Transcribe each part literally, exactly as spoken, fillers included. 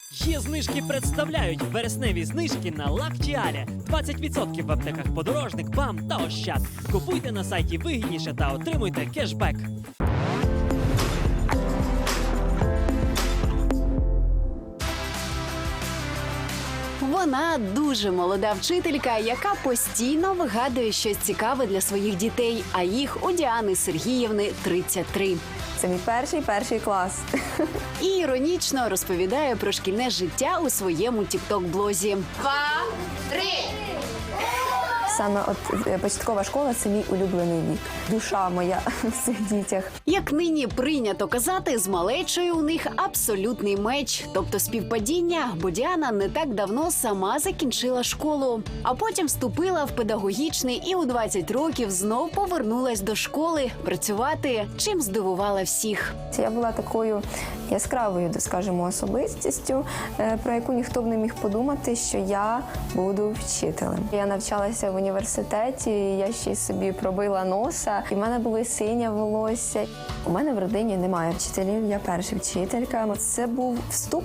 Є знижки представляють вересневі знижки на Лактіалі. двадцять відсотків в аптеках Подорожник, БАМ та Ощад. Купуйте на сайті вигідніше та отримуйте кешбек. Вона дуже молода вчителька, яка постійно вигадує щось цікаве для своїх дітей, а їх у Діани Сергіївни тридцять три. Це мій перший перший клас. І іронічно розповідає про шкільне життя у своєму тікток-блозі. Два, три. Саме от е, початкова школа це мій улюблений вік. Душа моя в цих дітях. Як нині прийнято казати, з малечою у них абсолютний меч, тобто співпадіння, бо Діана не так давно сама закінчила школу, а потім вступила в педагогічний і у двадцять років знов повернулась до школи працювати, чим здивувала всіх. Я була такою яскравою, скажімо, особистістю, е, про яку ніхто б не міг подумати, що я буду вчителем. Я навчалася в університеті, я ще й собі пробила носа, і в мене було синє волосся. У мене в родині немає вчителів, я перша вчителька. Це був вступ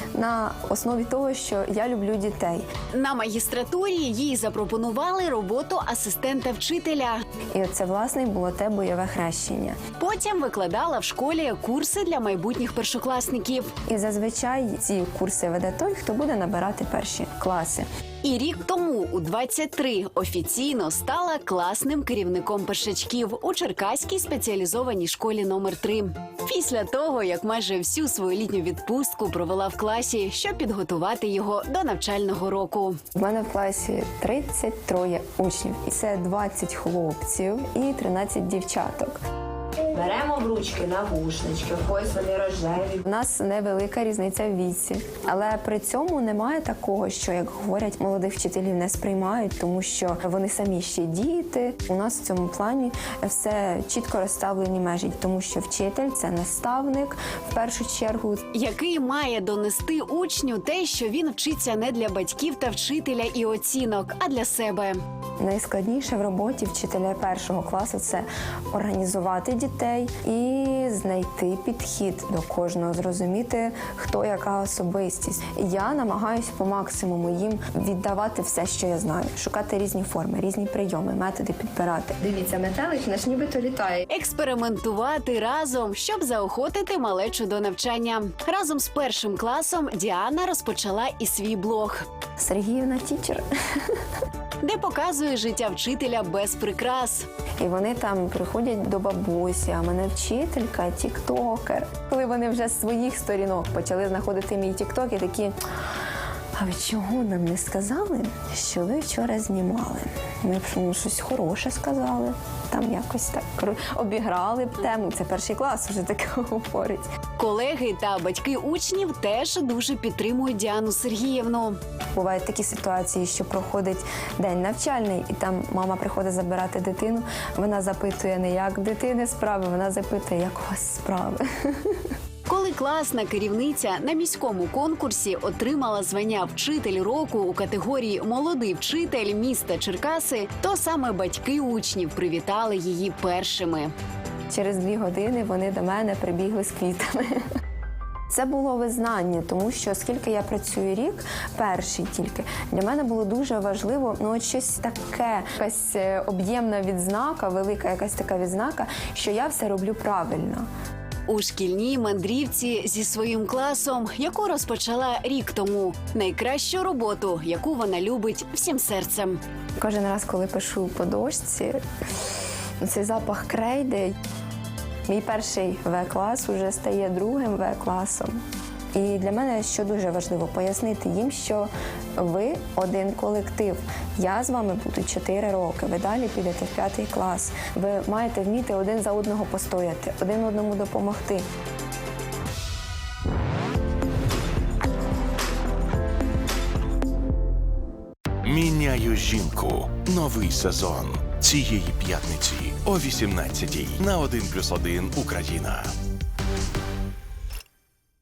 на основі того, що я люблю дітей. На магістратурі їй запропонували роботу асистента вчителя. І це, власне, було те бойове хрещення. Потім викладала в школі курси для майбутніх першокласників. І зазвичай ці курси веде той, хто буде набирати перші класи. І рік тому, у двадцять три, офіційно стала класним керівником першачків у Черкаській спеціалізованій школі номер три. Після того, як майже всю свою літню відпустку провела в класі, щоб підготувати його до навчального року. У мене в класі тридцять три учнів. І це двадцять хлопців і тринадцять дівчаток. Беремо в ручки навушнички, ось вони рожеві. У нас невелика різниця в віці, але при цьому немає такого, що, як говорять, молодих вчителів не сприймають, тому що вони самі ще діти. У нас в цьому плані все чітко розставлені межі, тому що вчитель – це наставник в першу чергу. Який має донести учню те, що він вчиться не для батьків та вчителя і оцінок, а для себе. Найскладніше в роботі вчителя першого класу – це організувати дітей і знайти підхід до кожного, зрозуміти, хто яка особистість. Я намагаюся по максимуму їм віддавати все, що я знаю, шукати різні форми, різні прийоми, методи підбирати. Дивіться, метелик наш нібито літає. Експериментувати разом, щоб заохотити малечу до навчання. Разом з першим класом Діана розпочала і свій блог, Сергіївна тічер. де показує життя вчителя без прикрас. І вони там приходять до бабусі, а мене вчителька, тіктокер. Коли вони вже з своїх сторінок почали знаходити мій тікток, і такі: а ви чого нам не сказали, що ви вчора знімали? Ми б ну, щось хороше сказали, там якось так обіграли б тему. Це перший клас вже таке говорить. Колеги та батьки учнів теж дуже підтримують Діану Сергіївну. Бувають такі ситуації, що проходить день навчальний, і там мама приходить забирати дитину, вона запитує не як в дитини справи, вона запитує, як у вас справи. Коли класна керівниця на міському конкурсі отримала звання «Вчитель року» у категорії «Молодий вчитель міста Черкаси», то саме батьки учнів привітали її першими. Через дві години вони до мене прибігли з квітами. Це було визнання, тому що оскільки я працюю рік, перший тільки, для мене було дуже важливо, ну от щось таке, якась е, об'ємна відзнака, велика якась така відзнака, що я все роблю правильно. У шкільній мандрівці зі своїм класом, яку розпочала рік тому. Найкращу роботу, яку вона любить всім серцем. Кожен раз, коли пишу по дошці, цей запах крейди. Мій перший В-клас вже стає другим В-класом. І для мене, що дуже важливо, пояснити їм, що ви один колектив. Я з вами буду чотири роки, ви далі підете в п'ятий клас. Ви маєте вміти один за одного постояти, один одному допомогти. Міняю жінку. Новий сезон. Цієї п'ятниці о вісімнадцятій на один плюс один Україна.